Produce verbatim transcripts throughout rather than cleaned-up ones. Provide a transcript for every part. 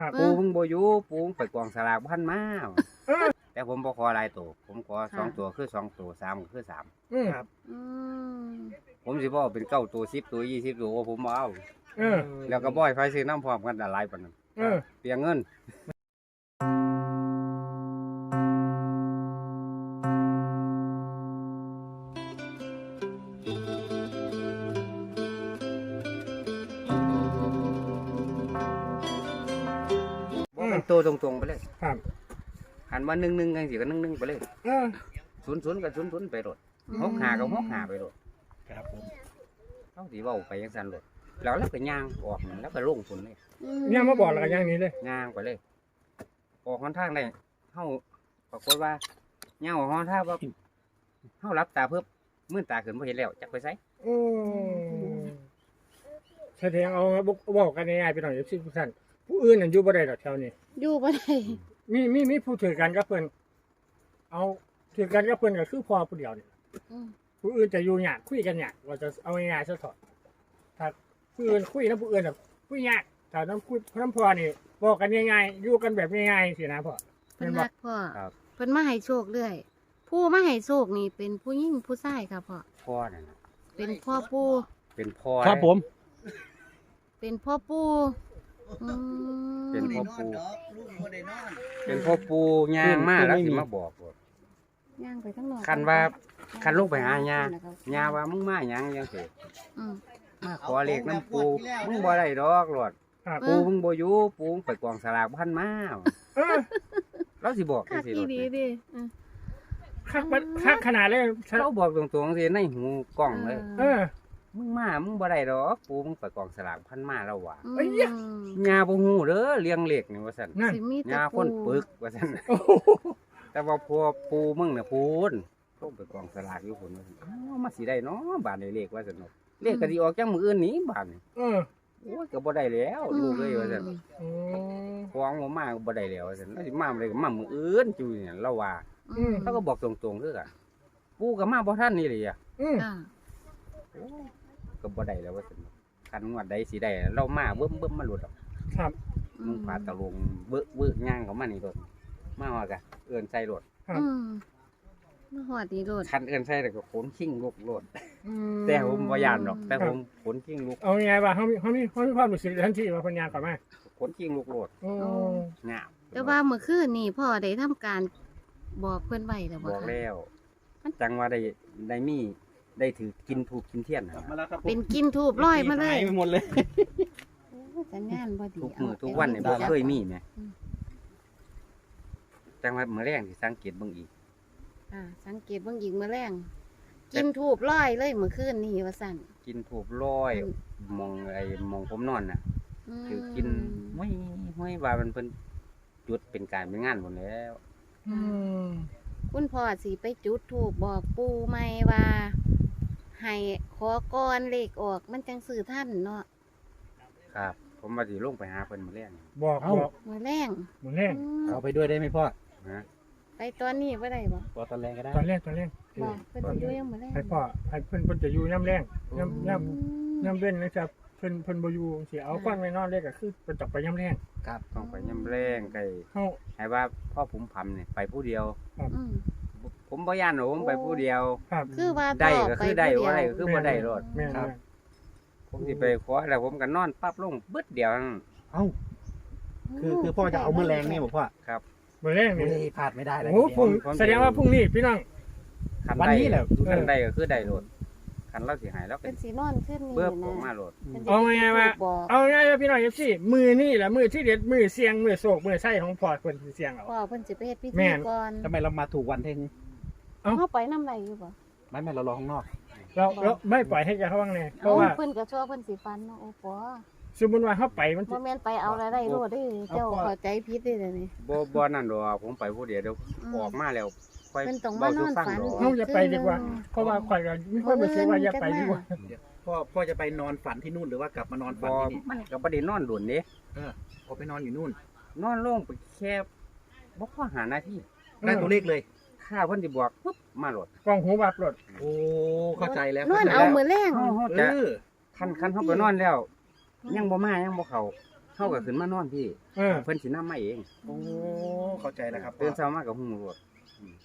ปูเพิ่งบ่อยู่ปูไปกองสลากพันมาแต่ผมบ่ขอหลายตัวผมขอสองตัวคือสองตัวสามก็คือสามครับผมสิบ่เอาเป็นเก้าตัวสิบตัวยี่สิบตัวผมบ่เอาแล้วก็บ่อยไฟซื้อน้ำพร้อมกันหลายปานนั้นเปลียงเงินตัวตรงๆไปเลยครับหันมาหนึ่งหนึ่งกันสิก็หนึ่งหนึ่งไปเลยศูนย์ศูนย์กับศูนย์ศูนย์ไปรถหกหากับหกหาไปรถครับผมต้องสีว่าไปยังสันรถแล้วแล้วก็ย่างออกแล้วก็ลงฝนเลยย่างมาบอกแล้วก็ย่างนี้เลยย่างไปเลยออกค่อนข้างได้เข้าปรากฏว่าย่างออกค่อนข้างว่าเข้ารับตาเพิ่มมื่นตาขึ้นพอเห็นแล้วจักไปไซแสดงเอาบอกกันง่ายๆไปหน่อยสิทุกท่านผู้อื่นนั่นอยู่บ่ได้ดอกแถวนี้อยู่บ่ได้มีมีมีผู้ถือกันกับเพิ่นเอาถือกันกับเพิ่นก็คือพ่อผู้เดียวนี่ผู้อื่นจะอยู่ยากคุยกันยากว่าจะเอาง่ายๆซะเถอะถ้าผู้อื่นคุยนำผู้อื่นน่ะคุยยากถ้านำคุยนำพ่อนี่บอกกันง่ายๆอยู่กันแบบง่ายๆสินะพ่อเพิ่นรักพ่อเพิ่นมาให้โชคเรื่อยผู้มาให้โชคนี่เป็นผู้หญิงผู้ชายครับพ่อพ่อนั่นเป็นพ่อปู่เป็นพ่อครับผมเป็นพ่อปู่เป็นพ่อปูเป็นพ่อปูย่างมากแล้วสิมาบอกย่างไปทั้งนอกคันว่าคันลูกไปหาย่าย่าว่ามึงมาย่างยังเถอะมาขอเลขน้ำปูมึงบ่ได้ดอกหลอดปูมึงบ่อยู่ปูไปกองสลากพันมาแล้วสิบอกสิดีดีคักคักขนาดเลยเราบอกตรงๆสิในหูกล้องเลยมึงมามึงบ่ได้ดอกปูมึงไปกองสลากพันมาแล้วว่ะยาบ่ฮู้เด้อเลี้ยงเหล็กนี่ว่าซั่นยาพ่นปึกว่าซั่นแต่ว่าพอปูมึงน่ะพูนต้องไปกองสลากอยู่พุ่นว่าซั่นอ้าวมาสิได้เนาะบาดนี้เลขว่าซั่นเนาะเลขก็สิออกจังมื้ออื่นนี้บาดนี้เออโอ้ยก็บ่ได้แล้วลูกเอ้ยว่าซั่นอ๋อของบ่มาก็บ่ได้แล้วว่าซั่นแล้วสิมาได้ก็มามื้ออื่นจุ้ยเนี่ยเราว่าอือเขาก็บอกตรงๆคือกันปูก็มาบ่ทันนี่เลยอ่ะอือก็บ่ได้แล้วว่าซั่นคันงวดใดสิได้เรามาเบิ่มๆมาหลุดออกครับมึงพาตะลงเบ้อๆย่างเข้ามานี่รถมาฮอดกะเอิ้นใส่รถอืมมาฮอดนี่รถคันเอิ้นใส่แล้วก็ขนชิงลุกรถแต่ผมบ่ย่านดอกแต่ผมขนชิงลุกเอาไงว่าเฮามีเฮามีเฮามีความรู้สึกทันทีว่าเพิ่นย่างเข้ามาขนชิงลุกรถโอ้งามแต่ว่าเมื่อคืนนี่พ่อได้ทำการบอกเพิ่นไว้แล้วบ่คะบอกแล้วจังว่าได้ได้มีได้ถือกินถูกกินเทียนเป็นกินถูกร้อยมาเลยหมดเลยสัญญาณบ่ดีทุกมื้อทุกวันนี่บ่เคยมีแหมจังว่ามื้อแรงสิสังเกตเบิ่งอีกอ่าสังเกตเบิ่งอีกมื้อแรงกินถูกร้อยเลยเมื่อคืนนี่ว่าซั่นกินถูกร้อยมองไอ้มองผมนอนน่ะคือกินห้วยห้วยว่ามันเพิ่นจุดเป็นการเป็นงานหมดแล้วอืมคุณพ่อสิไปจุดธูปบอกปู่ใหม่ว่าให้ขอก่อนเลขออกมันจังซื้อท่านเนาะครับผมว่าสิลงไปหาเพิ่นมื้อแลงบอกบอกมื้อแลงมื้อแลงเอาไปด้วยได้มั้ยพ่อฮะไปตอนนี้บ่ได้บ่บ่ตอนแรงก็ได้ตอนแรกตอนแรกบ่เพิ่นอยู่ยังมื้อแลงให้พ่อให้เพิ่นเพิ่นจะอยู่ยามแลงยามยามยามเว้นนะครับเพิ่นเพิ่นบ่อยู่สิเอาก่อนไว้นอนเลยก็คือเพิ่นต้องไปยามแลงครับต้องไปยามแลงไกเฮาให้ว่าพ่อผมพำนี่ไปผู้เดียวครับผมบ่ย่านผมไปผู้เดียวคือว่าได้ก็คือได้บ่ได้ก็คือบ่ได้รถครับผมสิไปขอแล้วผมก็นอนปั๊บลงบึดเดียวเอ้าคือคือพ่อจะเอามื้อแรงนี่บ่พ่อครับมื้อแรงนี่พลาดไม่ได้เลยโอ้พุ่งแสดงว่าพรุ่งนี้พี่น้องวันนี้แหละคันได้ก็คือได้รถคันเราสิหายแล้วเป็นสินอนขึ้นนี่นะเบิ่ออกมารถเอาไงว่าเอาไงว่าพี่น้อง เอฟ ซี มื้อนี้แหละมื้อที่เด็ดมื้อเสี่ยงมื้อโศกมื้อไส้ของพ่อเพิ่นสิเสี่ยงเอาพ่อเพิ่นสิไปเฮ็ดพิธีก่อนทำไมเรามาถูกวันเท่งเฮาไปนำไรอยู่บ่ไม่แม่เรารอข้างนอกเราเราไม่ปล่อยให้แกเข้าข้างในเพราะว่าเพิ่นก็ชั่วเพิ่นสิฟันเนาะโอ้ปอสมมุติว่าเฮาไปมันบ่แม่นไปเอาอะไรได้โลดเด้เจ้าเข้าใจผิดเด้อนี่บ่บ่นั่นดอกผมไปผู้เดียวเดี๋ยวออกมาแล้วค่อยเว้าสู่ฟังดอกเฮาจะไปดีกว่าเพราะว่าข่อยก็มีความรู้สึกว่าอย่าไปดีกว่าพ่อพ่อจะไปนอนฝันที่นู่นหรือว่ากลับมานอนฝันที่นี่มันก็บ่ได้นอนโดนเด้เออพอไปนอนอยู่นู่นนอนลงไปแค่บ่พอหานาทีได้ตัวเลขเลยถ้าเพิ่นสิบอกปึ๊บมาโหลดกล้องหูบับโหลดโอ้เข้าใจแล้วนอนเอามื้อแลงเฮาจะคันคันเฮาไปนอนแล้วยังบ่มายังบ่เข้าเฮาาก็ขึ้นมานอนพี่เออเพิ่นสินำมาเองโอ้เข้าใจแล้วครับตื่นเช้ามาก็ฮู้รถอืม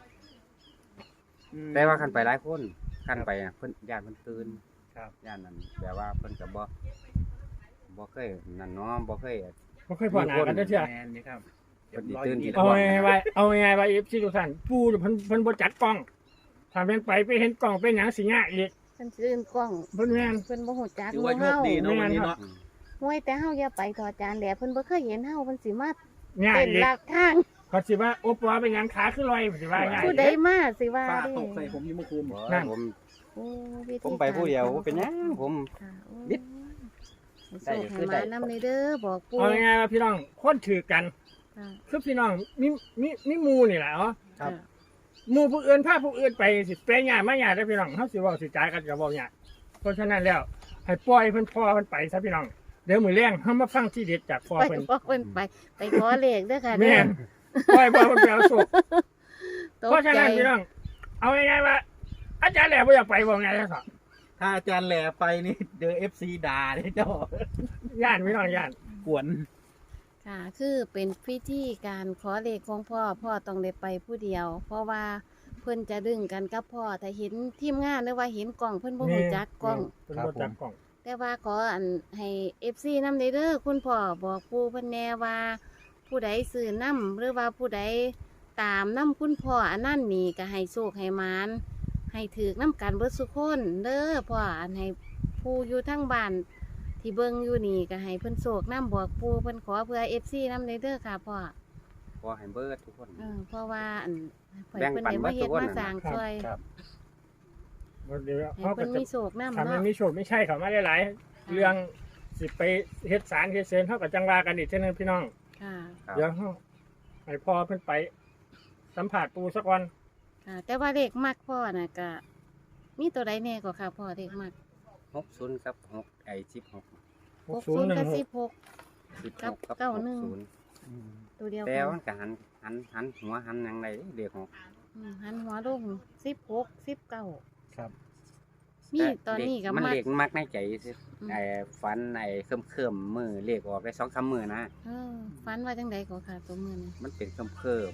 แต่ว่าคันไปหลายคนคันไปอะเพิ่นญาติเพิ่นตื่นครับญาตินั้นแบบว่าเพิ่นก็บ่บ่เคยนั่นเนาะบ่เคยบ่เคยพอหน้ากันเด้อเชื่อแมนนี่ครับเพิ่นสิตื่นสิเอาไงไว้เอาไงไว้เอฟซีทุกท่านปูเพิ่นเพิ่นบ่จัดกล้องถ้าเพิ่นไปไปเห็นกล้องเป็นหยังสิยากอีกเพิ่นซื้อกล้องเพิ่นแม่นเพิ่นบ่ฮู้จักถือหมู่ว่าโชเฮาคดีเนาะวันนี้เนาะห้วยแต่เฮาอย่าไปถอดจานแหละเพิ่นบ่เคยเห็นเฮาเพิ่นสิมายากเป็นอีกหลักทางเขาสิว่าโอ้ปอเป็นหยังขาคือลอยสิว่าง่ายผู้ใดมาสิว่าป้าเด้ตกใส่ผมอยี่เมื่อคืนบ่นั่นผมโอ้วิธีผมไปผู้เดียวบ่เป็นหยังผมค่ะโอ้นิดให้โชคให้มานํเด้อบอกปู่เอาง่ายๆว่าพี่น้องคนถือกันค่ะคือพี่น้องมีมีมีหมู่นี่แหละเนาะครับหมู่ผู้อื่นพาผู้อื่นไปสิแปลงยากมาหยากเด้อพี่น้องเฮาสิเว้าสิจ่ายกันก็เว้ายากเพราะฉะนั้นแล้วให้ปล่อยเพิ่นพ่อเพิ่นไปซะพี่น้องเดี๋ยวมื้อแลงเฮามาฟังที่เด็ดจากพ่อไปเพิ่นบอกเพิ่นไปไปขอเลขเด้อค่ะเด้แม่อนปล่อยบ่เพิ่นไปเอาโชคตกเพราะฉะใจนั้นพี่น้องเอาง่ายๆว่า อาจารย์แหล่บ่อยากไปบ่ไงซะถ้าอาจารย์แหล่ไปนี่เจอเอฟซีด่าเนี่ยเจ้าย่านพี่น้องย่านกวนค่ะคือเป็นพิธีการขอเลขของพ่อพ่อต้องได้ไปผู้เดียว เพราะว่าเพิ่นจะดึงกันกับพ่อถ้าเห็นทีมงานหรือว่าเห็นกล้องเพิ่นบ่ฮู้จักกล้องเพิ่นบ่จักกล้องแต่ว่าขออันให้ เอฟ ซี นำเด้อคุณพ่อบอกปู่เพิ่นแน่ว่า ผู้ใดซื้อนำหรือว่าผู้ใดตามนำคุณพ่ออันนั้นนี่ก็ให้โชคให้หมานให้ถือนํกันเบิดสุคนเด้อพ่ออันให้ผู้อยู่ทั้งบ้านที่เบิ่งอยู่นี่ก็ให้เพิ่นโชคนำบอกปู่เพิ่นขอเพื่อ เอฟ ซี นำเด้อค่ะพ่อขอให้เบิดทุกคนเออเพราะว่าอันเพิ่นแบ่งเพิ่นปันได้มาเฮ็ดเบิดทุกคนมาสร้างน่ะช่วยครับเดี๋ยวให้เขาก็เพิ่นจะมีโชคนำถ้ามันเนาะมีโชคไม่ใช่เขามาหลายๆเรื่องสิไปเฮ็ดสารเฮ็ดเซนเฮาก็จังว่ากันอีกเช่นนึงพี่น้องค่ะครับเดี๋ยวเฮาให้พ่อเพิ่นไป สัมผัสปูสักวันค่ะ แต่ว่าเลขมักพ่อน่ะก็มีตัวใดแน่ก็ค่ะพ่อเลขมักหกศูนย์กับหกไอ้สิบหกหกศูนย์กับสิบหกสิบกัหบกกับเก้าหกหนึ่งศูนย์ตัวเดียวแต่กันมันก็หันหันหันหัวหันหยังไงเด็กหกอืมหันหัวลงสิบหกสิบเก้าครับมีตอนนี้ก็มันมักเล็กมักในใจซิอืมไอ้ฟันไอ้เคิมเคิมๆมือเล็กออกได้สองสามมือนะเออฝันว่าจังใดก็ค่ะตัวมือนี่มันเป็นเคิมเคิม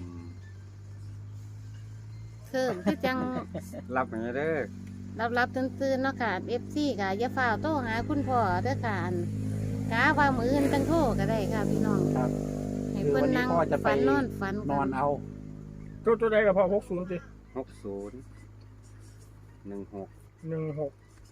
เคิมคือจังๆรับอย่างนี้เด้อรับรับตื่นตื่นๆเนาะค่ะเอฟซีก็อย่าฝ่าวโทรหาคุณพ่อเด้อค่ะอันกาว่ามืออื่นตั้งโทรก็ได้ค่ะพี่น้องครับให้คือเพิ่นวันนี้นั่งพ่อจะไปฝันนอนฝันนอนเอาตัวตัวใดก็พอหกศูนย์สิหกศูนย์หนึ่งหกหนึ่งหก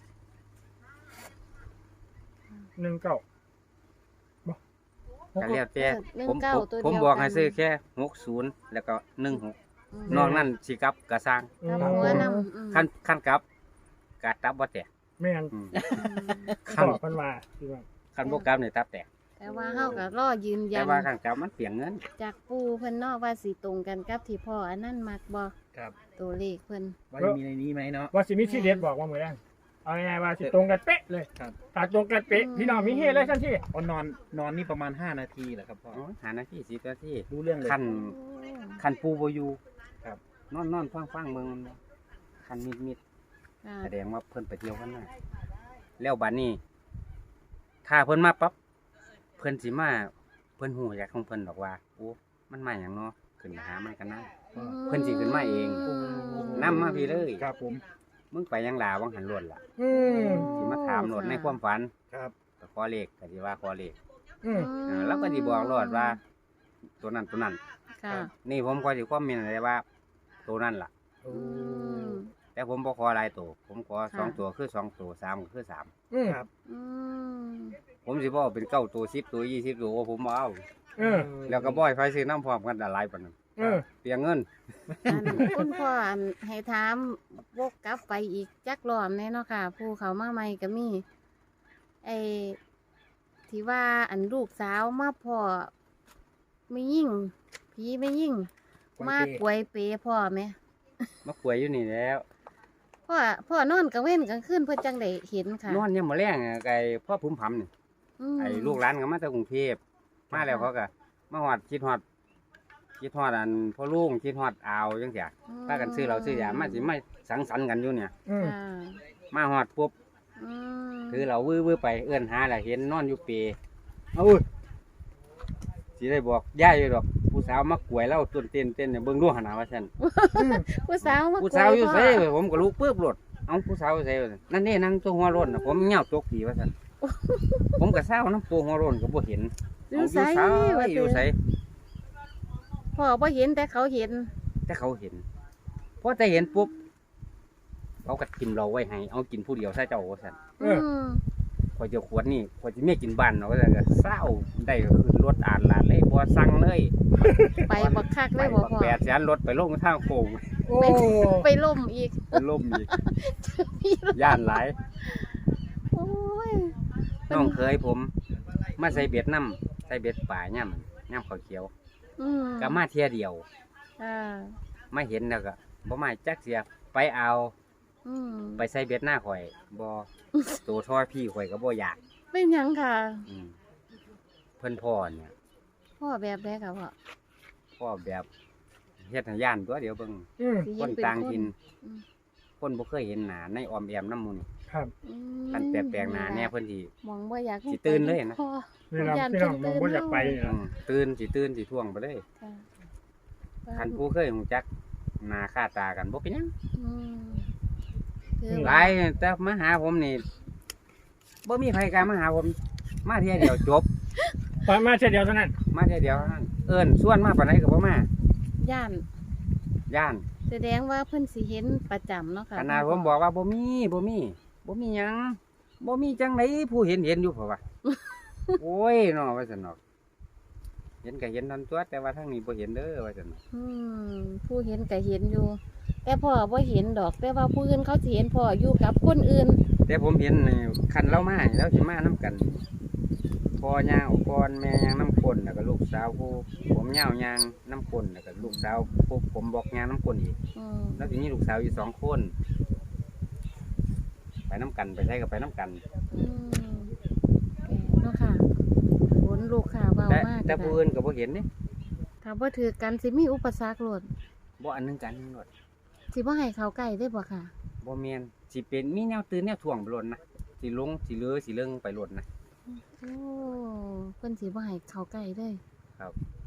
หนึ่งเก้าบ่ก็เรียกแต่หนึ่งผมเก้าผมตัวผมเดียวบอกกัให้นซื้อแค่หกศูนย์แล้วก็หนึ่งหกอืมนอกนั้นสิกลับกระสร้างกับหัวนำอืมขั้นขั้นกลับกะตับบ่แตกแม่นอืมอืมขั้นบอกเพิ่นว่าพี่น้องขั้นบ่กลับนี่ตับแตกแต่ว่าเฮาก็รอยืนยัแต่นว่าขั้นกลับมันเปลี่ยนเงินจากปู่เพิ่นเนาะว่าสิตรงกันกับที่พ่ออันนั้นมักบ่ครับตัวเลขเพิ่นว่าจะมีในนี้ไหมเนาะว่าสิมีที่เด็ดบอกว่ามื้อแรงเอาง่ายๆว่าสิตรงกันเป๊ะเลยครับถ้าตรงกันเป๊ะพี่น้องมีเฮเลยทันทีอ๋อนอนนอนนี่ประมาณห้านาทีแหละครับพ่อโอ้ยหานาทีสิบนาทีรู้เรื่องเลยขั้นขั้นปูบ่อยู่ครับนอนนอนฟังฟังเบิ่งมันบ่ขั้นมิดมิดค่ะแสดงว่าเพิ่นไปเที่ยวกันมาแล้วบัดนี้ ถ้าเพิ่นมาปั๊บเพิ่นสิมาเพิ่นฮู้จากของเพิ่นดอกว่าโอ้มันมาหยังเนาะขึ้นไปหามันกันนะ เพิ่นสิขึ้นมาเอง นำมาพี่เลยครับผมมึงไปยังลาวังหันล้วนล่ะอืมสิมาถามโลดในความฝันครับก็ขอเลขก็สิว่าขอเลขอืมเออแล้วก็สิบอกโลดว่า ตัวนั้นตัวนั้นค่ะนี่ผมก็สิคอมเมนต์ได้ว่า ตัวนั้นล่ะโอ้อืมแต่ผมบ่ขอหลายตัวผมขอค่ะสองตัวคือสองตัวสามก็คือสามอืมครับอืมผมสิบ่เอาเป็นเก้าตัวสิบตัวยี่สิบตัวผมบ่เอาเออแล้วก็บ่ให้ไฟซื้อน้ำพร้อมกันหลายปานนั้นเออเปลียงเงินอันคุณพ่ออันให้ถามวกกลับไปอีกจักรอบแน่เนาะค่ะ ผู้เขามาใหม่ก็มีไอ้ที่ว่าอันลูกสาวมาพ่อไม่ยิ่งผีไม่ยิ่ง มากกวยเปพ่อไหมมาขวยอยู่นี่แล้วพ่อพ่อนอนกลางเว้นกลางคืนเพื่อจังได้เห็นค่ะนอนยังมื้อแรงอะไอ้พ่อพุ่มพำนี่มไอ้ลูกหลานก็มาจากกรุงเทพมาแล้วเขาก็มาฮอดคิดฮอดคิดฮอดอันพ่อลุงคิดฮอดอาวจังซี่พากันซื้อเราซื้อยามาสิมาสังสรรค์กันอยู่เนี่ยอืมค่ะมาฮอดปุ๊บอืมคือเราวื้อๆไปเอื้อนหาแล้วเห็นนอนอยู่เปรเอาเว้ยสิได้บอกย่าอยู่ดอกผู้สาวมักกวยเล่าต้นเต้นเต้นเนี่ยเบิ่งดูหนนาว่าซั่นผู้สาวมาผู้สาวอยู่คุไสพ่ผมก็ลุกปึ๊บรถเอ้าผู้สาวอยู่ไสวะนั่นนี่นั่งตัวหัวโล้นน่ะผมเหงาตกผีว่าซั่นผมก็เศร้าน้ำปูหัวโล้นก็บ่เห็นอยู่ไสเอาว่าอยู่ไสพ่อบ่เห็นแต่เขาเห็นแต่เขาเห็นพอแต่เห็นปุ๊บเขาก็ทิมเราไว้ให้เอากินผู้เดียวซะเจ้าว่าซั่นเออมพอยเจะขวดนี่พอยสิแม่กินบ้านเนาะว่าซั่นก็เศร้าได้ก็ขึ้นรถอ่านลาดเลยบ่สั่งเลยไปบักคักไปเลยบ่บักพ่อแปดแสนรถไปลงทางโค้งโอ้ไปล่มอีกไปล่มอีกย่านหลายโอ้ยน้องเคยผม มาใส่เบ็ดน้ำใส่เบ็ดป่าย่ำย่ำข้าวเขียวอืมก็มาเที่ยเดียวอ่าไม่เห็นแล้วก็บ่มาจักเสียไปเอาอืมไปใส่เบ็ดหน้าข่อยบ่ตัวทอดพี่ข่อยก็บ่อยากเป็นหยังค่ะอืมเพิ่นพ่อเนี่ยพ่อแบบใดค่ะพ่อพ่อแบบเฮ็ดให้ย่านตัวเดียวเบิ่งอืมสิคเห็นเป็ต่างถิ่นอืมคนบ่เคยเห็นหน้าในออมแอมน้ำหมูนี่ครับอืมคันแปลกๆหน้าแน่เพิ่นสิมองบ่อยากสิตื่นเลยนะพ่อนี่เราพี่น้องมองว่าอยากไปนี่อืนะมตื่นสิตื่นสิท่วงไปเลยค่ะคันผู้เคยฮู้จักหน้าค่าตากันบ่เป็นหยังอืมคือหลายแต่มาหาผมนี่บ่มีใครกล้ามาหาผม มาเที่ยเดียวจบไปมาเช่นเดียวเท่านั้นมาเที่ยเดียวเท่านั้นเอิ้นส่วนมาปานใดก็บ่มาย่านย่านแสดงว่าเพิ่นสิเห็นประจำเนาะค่ะขนาดผมบอกว่าบ่มีบ่มีบ่มีหยังบ่มีจังไดผู้เห็นเห็นอยู่เพราะว่า โอ้ยเนาะว่าซั่นเนาะเห็นก็เห็นนั่นตัวแต่ว่าทางนี้บ่เห็นเด้อว่าซั่นเนาะอืมผู้เห็นก็เห็นอยู่ แต่พ่อบ่เห็นดอก แต่ว่าผู้อื่นเขาสิเห็นพ่ออยู่กับคนอื่นแต่ผมเห็นนี่คันเรามานี่เราสิมานํกันพ่อย่างก่อนแม่ย่างน้ำคนแล้วก็ลูกสาวผู้ผมยาวย่างน้ำคนแล้วก็ลูกสาวผู้ผมบอกย่างน้ำคนอีกอืมแล้วทีนี้ลูกสาวอยู่สองคน ไปน้ำกันไปใช้กับไปน้ำกันอืมเนาะค่ะผลลูกข่าวเบาแต่มากแต่ผู้อื่นก็บ่เห็นนี่ถ้าบ่ถือกันสิมีอุปสรรคโลดบ่อันหนึงกันหนึงหมดสิบ่ให้เขาใกล้ได้บ่ค่ะบ่แม่นสิเป็นมีแนวตื่นแนวถ่วงไปหล่นนะสิลงสิเลือสิเลิงไปหล่นนะโอ้เพิ่นสิบ่ให้เขาใกล้เลยครับ